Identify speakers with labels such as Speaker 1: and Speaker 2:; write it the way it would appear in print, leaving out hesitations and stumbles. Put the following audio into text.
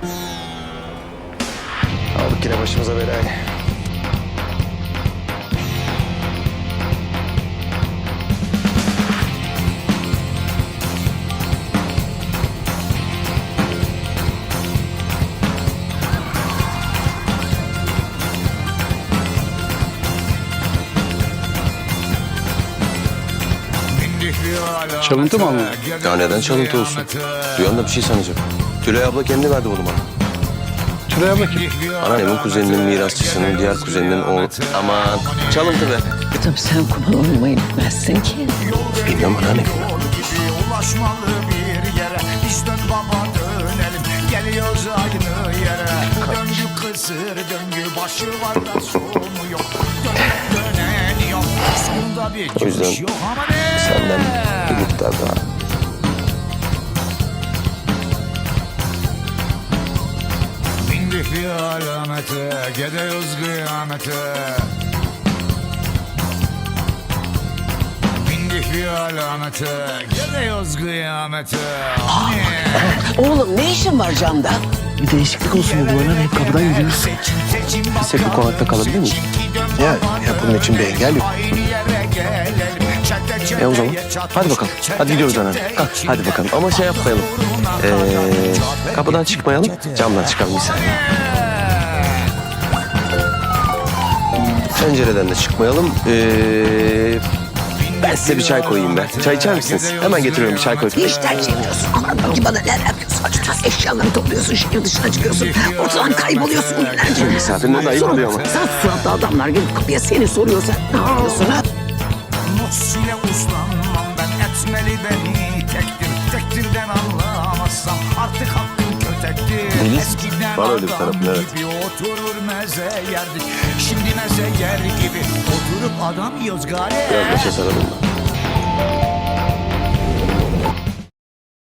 Speaker 1: Aldık yine başımıza belayı.
Speaker 2: Çalıntı mı aldın?
Speaker 1: Ya neden çalıntı olsun? Duyan da bir şey sanacak. Tülay abla kendi verdi bunu bana.
Speaker 2: Tülay abla kim?
Speaker 1: Anneannemin kuzeninin mirasçısının diğer kuzeninin oğlu. Aman çalıntı be.
Speaker 3: Tabii sen kumar oynamayı bilmezsin ki.
Speaker 1: Bilmem anneanne.
Speaker 4: Ulaşmalı bir yere biz dön baba dönelim geliyoruz aynı yere döngü kısır döngü başı var da sonu yok dönen yok sonunda bir
Speaker 1: O yüzden
Speaker 4: çıkış yok ama ne
Speaker 1: senden bir miktar daha.
Speaker 4: bindik bir alamete gidiyoruz kıyamete bindik bir alamete gidiyoruz kıyamete
Speaker 3: Oğlum ne işin var camda?
Speaker 2: Bir değişiklik olsun dedim anneanne. Hep kapıdan gidiyoruz.
Speaker 1: Biz hep bu konakta kalabilir miyiz?
Speaker 2: Ya bunun için bir engel yok.
Speaker 1: O zaman hadi bakalım. Hadi gidiyoruz anneanne. Kalk hadi bakalım. Ama şey yapmayalım. Kapıdan çıkmayalım. Camdan çıkalım bir saniye. Pencereden de çıkmayalım. Ben size bir çay koyayım ben. Çay içer misiniz? Hemen getiriyorum bir çay koyayım.
Speaker 3: İşten çeviriyorsun. Anladın ki bana neler yapıyorsun? Eşyaları topluyorsun, şehir dışına çıkıyorsun. Ortadan kayboluyorsun günlerce.
Speaker 1: Misafirine de ayıp oluyor ama.
Speaker 3: Sen suratlı adamlar gelip kapıya seni soruyorsa ne yapıyorsun ha?
Speaker 4: Mus ile uslanmam ben etmeli beni tektir tektirden anlamazsam artık hakkım kötektir.
Speaker 1: Deniz,
Speaker 4: Eskiden
Speaker 1: var öyle bir
Speaker 4: adam
Speaker 1: tarafı, evet.
Speaker 4: gibi oturur meze yerdik. Şimdi meze yer gibi oturup adam yiyoruz gari.
Speaker 1: Biraz başa saralım da.